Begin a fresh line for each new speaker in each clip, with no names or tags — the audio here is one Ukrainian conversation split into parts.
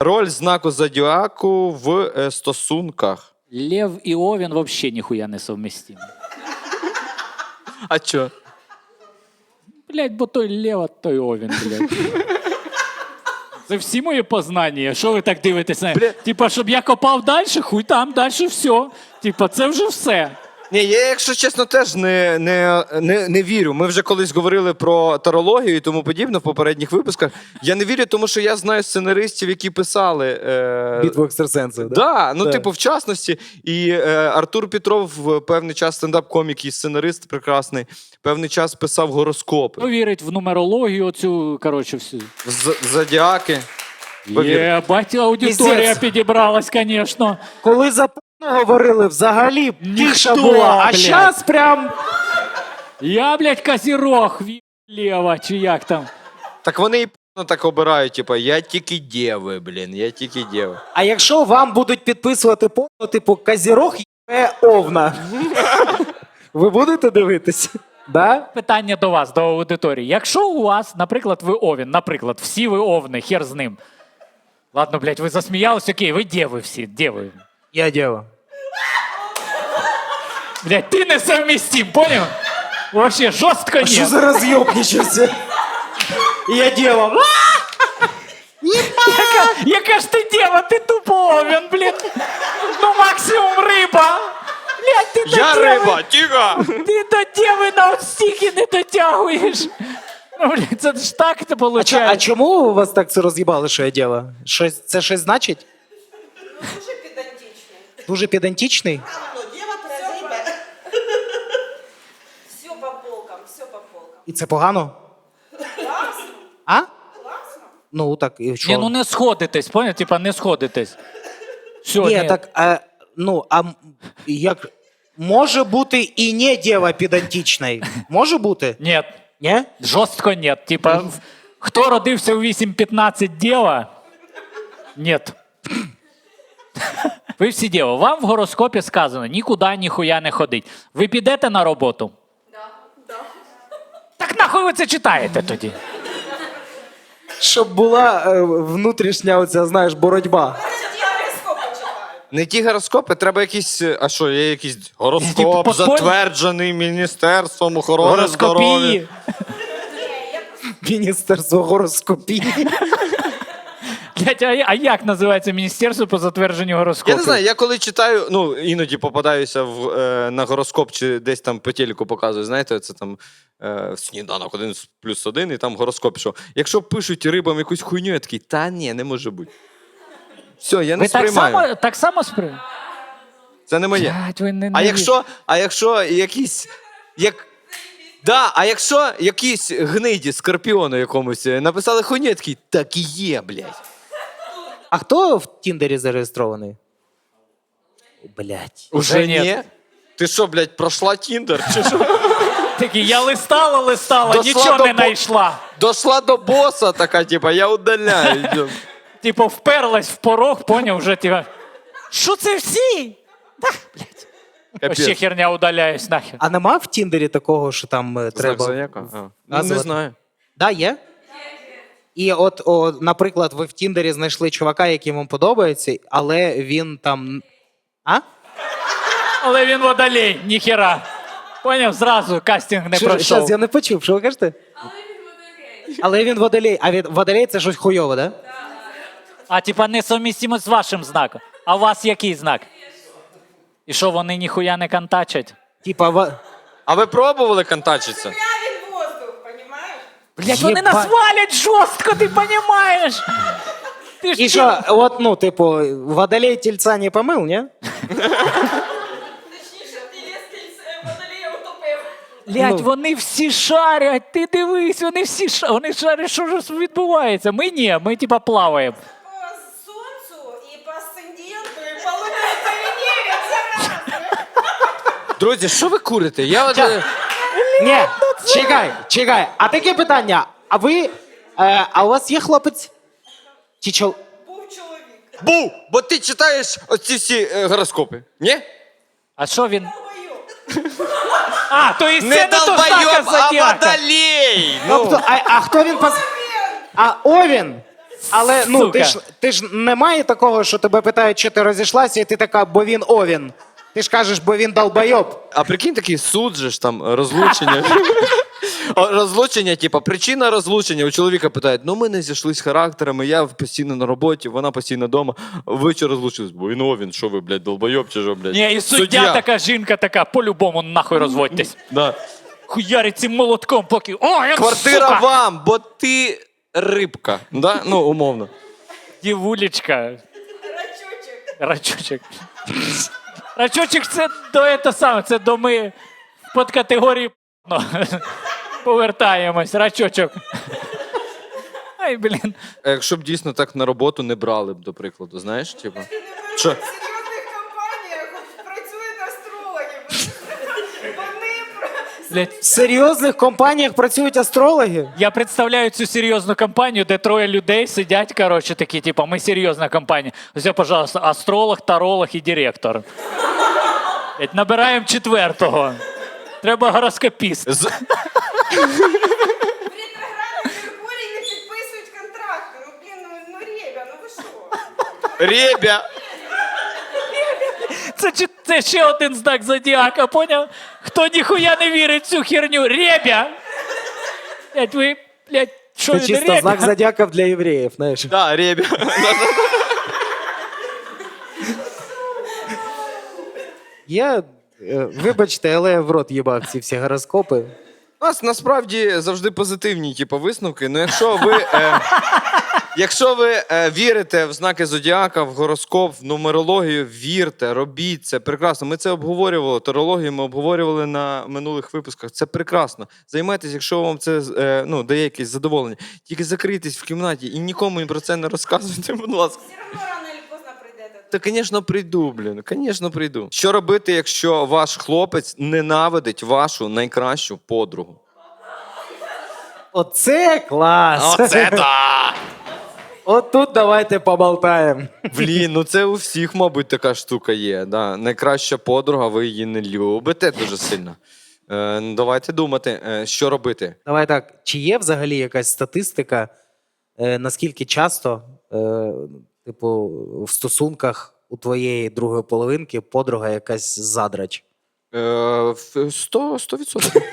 Роль знаку зодіаку в стосунках.
Лев и Овен вообще нихуя не совместимы.
А чо?
Блять, бо той Лев, а той Овен, блядь. Це всі мої познання. Що ви так дивитесь? Типа, щоб я копав далі, хуй там, далі все. Типа, це вже все.
Ні, я, якщо чесно, теж не вірю. Ми вже колись говорили про тарологію і тому подібне в попередніх випусках. Я не вірю, тому що я знаю сценаристів, які писали...
Битву екстрасенсів, да?
Да, ну,
Так.
типу, в частності. І Артур Петров певний час стендап-комік і сценарист прекрасний, певний час писав гороскопи.
Хто вірить в нумерологію оцю, коротше, всю.
Зодіаки. Повір.
Єбать, аудиторія
Пиздець.
підібралась, звісно.
Коли за говорили, взагалі тиша
Ніхто,
була, а
блядь.
зараз прям...
Я, блядь, козірог, Лева, чи як там.
Так вони і так обирають, типу, я тільки дєви, блін, я тільки дєви.
А якщо вам будуть підписувати порно, типу Козірог є Овна, ви будете дивитися? Да?
Питання до вас, до аудиторії. Якщо у вас, наприклад, ви Овен, наприклад, всі ви Овни, хер з ним. Ладно, блядь, ви засміялись, окей, ви дєви всі, дєви.
Я дєва.
Блядь, ти не совместим, понял? Вообще жорстко ні.
Що за роз'єбничався? Я дєва.
Яка ж ти дєва, ти тупо Овен, блядь. Ну максимум риба. Блядь, ти
Я
до
риба,
дєви,
тіга!
ти до дєви на стільки не дотягуєш. Ну, блядь, це ж так це
А
виходить.
чому у вас так це роз'їбали, що я дєва? Це щось значить?
Дуже педантичний.
Дуже педантичний?
Ну, дева прозиба. Все по полкам, все по полкам.
І це погано?
Классно,
А?
классно.
Ну так, і що?
Ні, ну не сходитесь, понял? Типа не сходитесь. Все,
Ні, так, як... Може бути і не дєва педантичний? Може бути?
Ні,
Ні?
жорстко ні. Типа, хто родився у 8-15 дєва? Ні. Ви всі дєва. Вам в гороскопі сказано, нікуди, ніхуя не ходить. Ви підете на роботу?
Да.
Так нахуй ви це читаєте тоді?
Щоб була внутрішня оця, знаєш, боротьба.
Я гороскопы читаю.
Не ті гороскопи, треба якісь. А що, є якийсь
Типу,
гороскоп,
подпольний?
затверджений Міністерством охорони здоров'я.
Гороскопії.
Міністерство гороскопії.
Блядь, а як називається міністерство по затвердженню гороскопів?
Я не знаю, я коли читаю, ну іноді попадаюся на гороскоп чи десь там по телеку показують, знаєте, це там сніданок 1+1, і там гороскоп пішов. Якщо пишуть рибам якусь хуйню, я такий, та ні, не може бути. Все, я не
Ви
сприймаю.
так само сприймаєте?
Це не моє.
Блядь, ви не...
А якщо якісь. Да, а якщо якісь гниді скорпіону якомусь написали хуйню, я такий, так і є, блядь.
А хто в Тіндері зареєстрований? Блять.
Уже
ні.
ні? Ти що, блядь, пройшла Тіндер? Чи що?
Такі, я листала,
Дошла
нічого
до
не знайшла.
Дошла до боса така, типа, я удаляю. йдем.
Типу, вперлась в порог, поняв, вже типа, що це всі?
Капець.
Ще херня удаляюсь нахер.
А нема в Тіндері такого, що там
Знак
треба.
зодіака? Ну, не
Назвати.
знаю.
Да, є? І от, наприклад, ви в Тіндері знайшли чувака, який вам подобається, але він там. А?
Але він водолей, ніхера. Поняв, зразу кастинг не пройшов.
Щас, я не почув, що ви кажете? Але він водолей. А водолей це щось хуйове, да?
А типа несовмістимо з вашим знаком. А у вас який знак? І що, вони ніхуя не контачать?
Типа,
А ви пробували контачитися?
Правильный воздух, понимаешь?
Блять, вони
Єба-
нас валять жорстко, ти розумієш? Ти ж
і що, от, ну, типу, водолей тільця не помив, ні?
Точніше, ти ліс водолея утопив.
Блять,
Ну.
вони всі шарять, ти дивись, вони всі шарять, вони шарять, що ж відбувається. Ми ні, ми типа плаваємо.
По сонцю і по асценденту, і по луні, і по Венері, це раз.
Друзі, що ви курите? Я от...
Ні, чекай. А таке питання. А ви, а у вас є хлопець? Чи чол...
Був чоловік.
Був! Бо ти читаєш оці всі гороскопи. Ні?
А що він?
Долбойоб.
А, то і
Не
це не то знака
долбойоб, а
зодіака.
водолей!
Тобто, а хто він А Овен? Але ну
Сука.
ти ж немає такого, що тебе питають, чи ти розійшлася, і ти така, бо він овін. Ти ж кажеш, бо він долбойоб.
А прикинь, такий суд же ж там, розлучення. Розлучення, типа, причина розлучення. У чоловіка питають, ну ми не зійшлись характерами, я постійно на роботі, вона постійно вдома. Ви що розлучились? Бо він, що ви, блядь, долбойоб чи що, блядь?
Ні, і суддя така, жінка така, по-любому нахуй розводьтесь.
Да.
Хуярить цим молотком, поки. О, я
Квартира
сука!
вам, бо ти рибка. Да? Ну, умовно.
Дівулечка.
Рачучек.
Рачучек. Рачучек це до саме, це до ми в подкатегорії ну, повертаємось. Рачочок. Ай, блін.
А якщо б дійсно так на роботу не брали б, до прикладу, знаєш, типа. Що?
В серйозних компаніях працюють астрологи. Вони
Блядь.
В серйозних компаніях працюють астрологи?
Я представляю цю серйозну компанію, де троє людей сидять, коротше, такі, типу, ми серйозна компанія. Ось, пожалуйста, астролог, таролог і директор. Блядь, набираємо четвертого. Треба гороскопіст.
ретроградний Меркурій не підписують контракти. Ну, блін, ну Ребя, ну ви що?
Ребя!
Це ще один знак зодіака, поняв? Хто ніхуя не вірить в цю херню? Ребя! Блядь, ви, блядь, що
Це
він
чисто
ребя?
знак зодіаків для євреїв, знаєш.
Да, ребя.
Я, вибачте, але я в рот їбав ці всі гороскопи.
У нас насправді завжди позитивні типу, висновки. Ну, якщо ви вірите в знаки зодіака, в гороскоп, в нумерологію, вірте, робіть це прекрасно. Ми це обговорювали. Тарологію ми обговорювали на минулих випусках. Це прекрасно. Займайтесь, якщо вам це дає якесь задоволення. Тільки закрийтесь в кімнаті і нікому про це не розказуйте, будь ласка.
Все одно рано чи поздно прийдете.
Та, звісно, прийду, блін. Звісно, прийду. Що робити, якщо ваш хлопець ненавидить вашу найкращу подругу?
Оце клас!
да!
От тут давайте поболтаємо.
Блін, ну це у всіх, мабуть, така штука є. Да. Найкраща подруга, ви її не любите дуже сильно. Давайте думати, що робити.
Давай так, чи є взагалі якась статистика, наскільки часто, типу, в стосунках у твоєї другої половинки подруга якась задрач?
100%.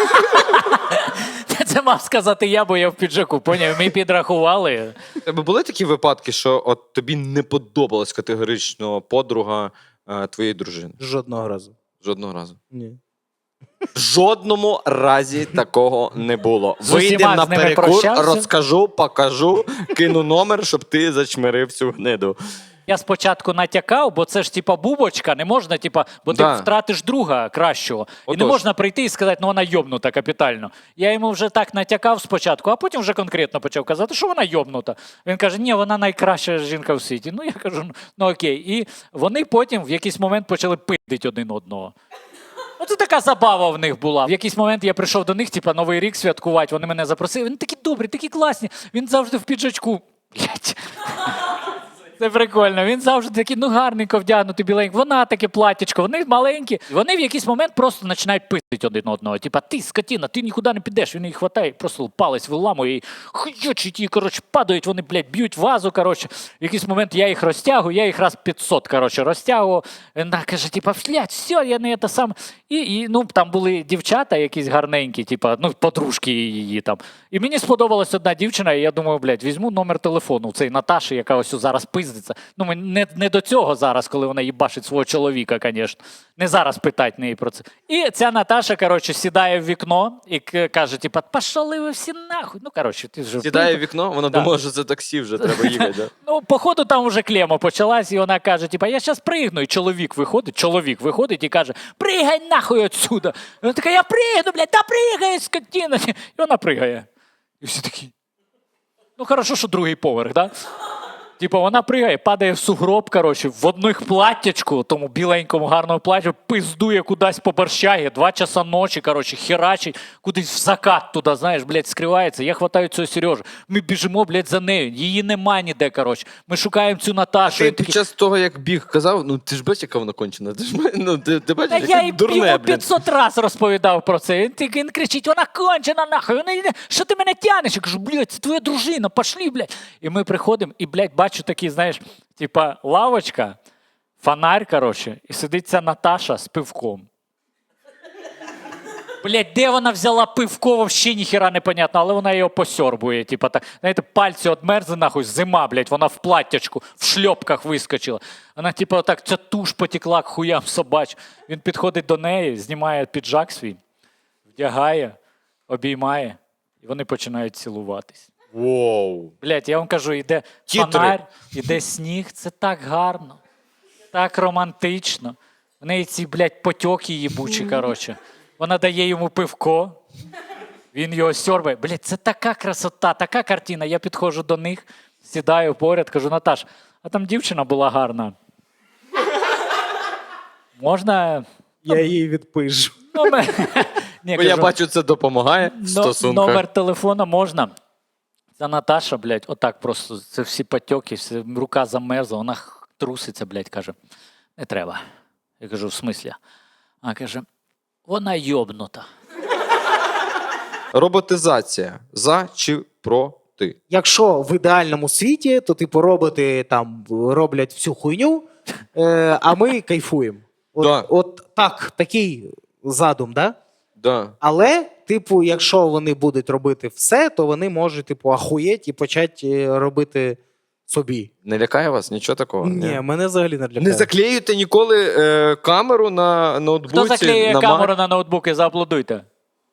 Це мав сказати я, бо я в піджаку, поняв? Ми підрахували.
У тебе були такі випадки, що от тобі не подобалась категорично подруга твоєї дружини?
Жодного разу.
Жодного разу.
Ні.
В жодному разі такого не було.
З усіма
Вийдемо на
з ними
перекур,
прощався?
розкажу, покажу, кину номер, щоб ти зачмирив цю гниду.
Я спочатку натякав, бо це ж типа бубочка, не можна, типа, бо
Да.
ти втратиш друга кращого. І не
Отож.
можна прийти і сказати, ну вона йобнута капітально. Я йому вже так натякав спочатку, а потім вже конкретно почав казати, що вона йобнута. Він каже, ні, вона найкраща жінка в світі. Ну я кажу, ну окей. І вони потім в якийсь момент почали пиздити один одного. Оце така забава в них була. В якийсь момент я прийшов до них, типа, Новий рік святкувати, вони мене запросили. Вони такі добрі, такі класні. Він завжди в піджачку. Блять. Це прикольно. Він завжди такий, ну гарненько вдягнутий, біленький. Вона таке платтячко, вони маленькі. Вони в якийсь момент просто починають пиздити один одного. Типа, ти, скотіна, ти нікуди не підеш. Він її хватає, просто палець виламує і хуйочить її, коротше, падають, вони, блядь, б'ють вазу, коротше. В якийсь момент я їх розтягую, я їх раз 500, коротше, розтягував. Вона каже, типа, блядь, все, я не це сам. І ну, там були дівчата якісь гарненькі, типа, ну, подружки її там. І мені сподобалась одна дівчина, і я думаю, блядь, візьму номер телефону у цієї Наташі, яка ось зараз пиздиться. Ну, не до цього зараз, коли вона їбашить свого чоловіка, звісно. Не зараз питать неї про це. І ця Наташа, коротше, сідає в вікно і каже, типа, пошли ви всі нахуй. Ну, коротше, ти вже...
Сідає в вікно, вона
Да.
думала, що це таксі вже треба їхати. Да?
Ну, походу, там вже клема почалась, і вона каже, типа, я зараз пригну. І чоловік виходить і каже, пригай нахуй отсюда. І вона така, я пригну, блядь, та пригай, скотина. І вона пригає. І всі такі, ну, хорошо, що другий поверх, да? Типу, вона пригає, падає в сугроб, коротше, в одних платтячку, тому біленькому гарному платтю, пиздує кудись по борщагі, 2 часа ночі, коротше, херачить, кудись в закат туди, знаєш, блядь, скривається. Я хватаю цього Сережу. Ми біжимо, блядь, за нею. Її нема ніде, коротше. Ми шукаємо цю Наташу.
Ти
Він
під
такий,
час того, як біг, казав, ну ти ж бачиш, яка вона кончена. Ти ж ну, ти бачиш,
та
яка
я їй
дурне,
йому
блядь.
500 раз розповідав про це. Він кричить, вона кончена, нахуй. Вона йде, що ти мене тянеш? Я кажу, блядь, це твоя дружина, пошли, блядь. І ми приходимо, і, блядь, бачу такі, знаєш, типа лавочка, фонарь, коротше, і сидить ця Наташа з пивком. Блядь, де вона взяла пивко, вообще ніхіра не понятно, але вона його посьорбує. Типа так, знаєте, пальці одмерзли, нахуй, зима, блядь, вона в платтячку, в шльопках вискочила. Вона, типа, отак, ця туш потекла к хуям собач. Він підходить до неї, знімає піджак свій, вдягає, обіймає, і вони починають цілуватись.
Воу.
Блядь, я вам кажу, іде
Тітри.
фонарь, іде сніг, це так гарно, так романтично. В неї ці, блядь, потьоки їбучі, коротше. Вона дає йому пивко, він його сьорбає. Блядь, це така красота, така картина. Я підходжу до них, сідаю поряд, кажу, Наташ, а там дівчина була гарна. Можна
Я її відпишу.
номер? Ні,
Бо я
кажу,
бачу, це допомагає в стосунках.
номер телефона можна. Це Наташа, блядь, отак просто, це всі потьоки, рука замерзла, вона труситься, блядь, каже, не треба. Я кажу, в смислі? А каже, вона йобнута.
Роботизація. За чи проти?
Якщо в ідеальному світі, то типу роботи там роблять всю хуйню, а ми кайфуємо.
Да.
От так, такий задум, да?
Да.
Але, типу, якщо вони будуть робити все, то вони можуть, типу, ахуєть і почати робити собі.
Не лякає вас? Нічого такого?
Ні, мене взагалі не лякає.
Не заклеюйте ніколи камеру на ноутбуці.
Хто заклеює
на
камеру на ноутбуки, зааплодуйте.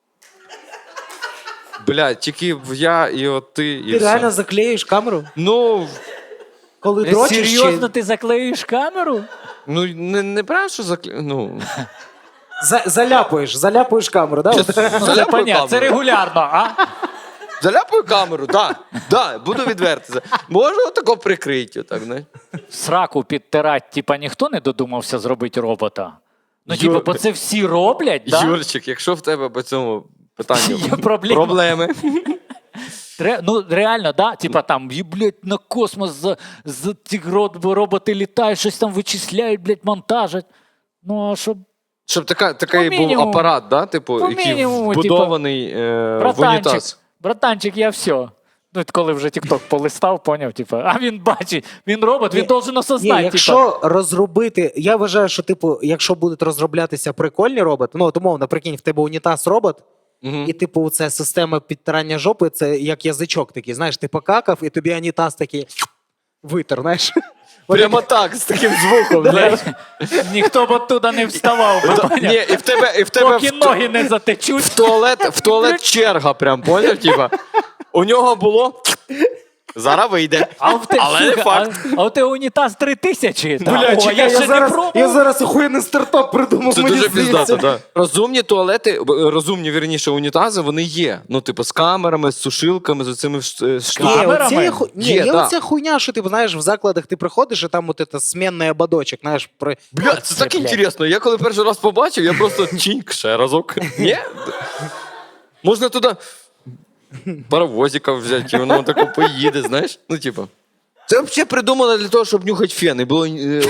Бля, тільки я і от ти, і
Ти
все.
реально заклеїш камеру?
Ну,
Коли дрочиш?
Серйозно ти заклеюєш камеру?
ну не прям, що ну,
Заляпуєш камеру, да?
Ну, це
Заляпаю
понятно, це
камеру.
регулярно, а?
Заляпаю камеру, да, буду відвертий. Можна отако прикрити, отак, знаєш.
Сраку підтирати, типа, ніхто не додумався зробити робота. Ну,
Юр-
типу, бо це всі роблять, да?
Юрчик, якщо в тебе по цьому питанню
Є проблема.
проблеми,
Ну, реально, да? Типа там, блядь, на космос ті роботи літають, щось там вичисляють, блядь, монтажать. Ну, а щоб
щоб такий
По
був
мінімуму.
апарат, да, типу,
По
який
мінімуму,
вбудований в
братанчик,
унітаз.
братанчик, я все. Ну, коли вже TikTok полистав, поняв, типу, а він бачить, він робот, він должен осознати.
Ні, якщо розробити, я вважаю, що типу, якщо будуть розроблятися прикольні роботи, ну от умовно, прикинь, в тебе унітаз робот, і типу це система підтирання жопи, це як язичок такий, знаєш, ти покакав, і тобі унітаз такий витер, знаєш.
Прямо так, з таким звуком, знаєш.
Ніхто б оттуда не вставав, би, поняв?
Ні, і в тебе
Поки ноги не затечуть.
в туалет черга прям, поняв? Типа, у нього було, зараз вийде.
А в те,
Але не
сука,
факт.
а у тебе унітаз 3000.
Бля,
О,
чекай,
я ще не пробував.
я зараз охуєнний стартап придумав.
Це
мені
дуже
здається.
піздато, так. Розумні туалети, розумні, вірніше, унітази, вони є. Ну, типу, з камерами, з сушилками, з оцими штуками.
Ні,
Камерами?
оце є
Є, да.
оця хуйня, що ти знаєш, в закладах ти приходиш, і там от це смінний ободочок, знаєш, при...
Бля, це так
блядь.
інтересно. Я коли перший раз побачив, я просто чіньк ще разок. Ні? Можна туди паровозика взяти, і воно тако поїде, знаєш? Ну, типу. Це взагалі придумано для того, щоб нюхати фен. І було...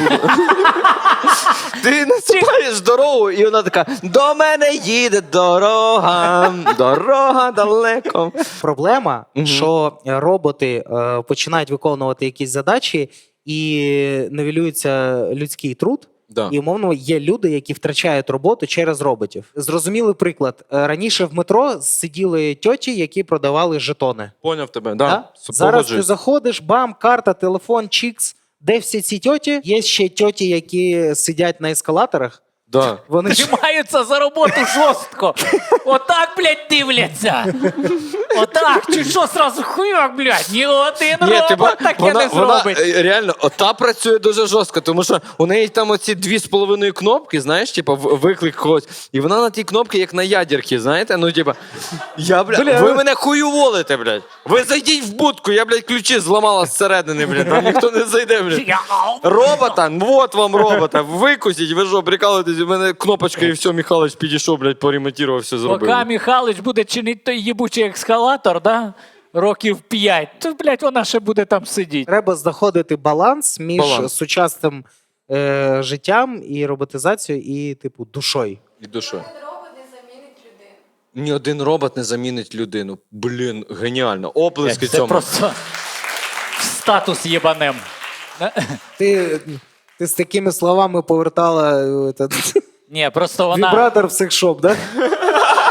Ти насипаєш дорогу, і вона така: до мене їде дорога, дорога далеко.
Проблема, що роботи починають виконувати якісь задачі і нівелюється людський труд.
Да.
І, умовно, є люди, які втрачають роботу через роботів. Зрозумілий приклад. Раніше в метро сиділи тьоті, які продавали жетони.
Поняв тебе, да.
Да? Зараз ти
Погоджуюсь.
заходиш, бам, карта, телефон, чікс. Де всі ці тьоті? Є ще тьоті, які сидять на ескалаторах.
Да.
Вони ж
Тримаються за роботу жорстко. Отак, блядь, дивляться. Отак, чи що сразу хуяк, блядь, ні один
Ні,
робот
типа,
таке не зробить.
реально, ота працює дуже жорстко, тому що у неї там оці 2,5 кнопки, знаєш, типа виклик когось. І вона на тій кнопці, як на ядерці, знаєте? Ну, типа, ви мене хуюволите, блядь. Ви зайдіть в будку, я, блядь, ключі зламала зсередини, блядь, там ніхто не зайде, блядь. Робота, вот вам робота, викусіть, ви що, прикалуєтесь, у мене кнопочка і все, Михайлович підійшов, блядь, поремонтував, все зробив.
Поки Михайлович буде чинити той їбучий ескалатор, да? Років 5, то, блядь, вона ще буде там сидіти.
Треба знаходити баланс між
Баланс.
сучасним життям і роботизацією, і, типу, душою.
І душою.
Один робот не замінить людину.
Ні один робот не замінить людину. Блін, геніально. Оплески
Це
цьому.
просто статус єбанем.
Ти з такими словами повертала
Ні, просто вона...
вібратор в секшоп, да?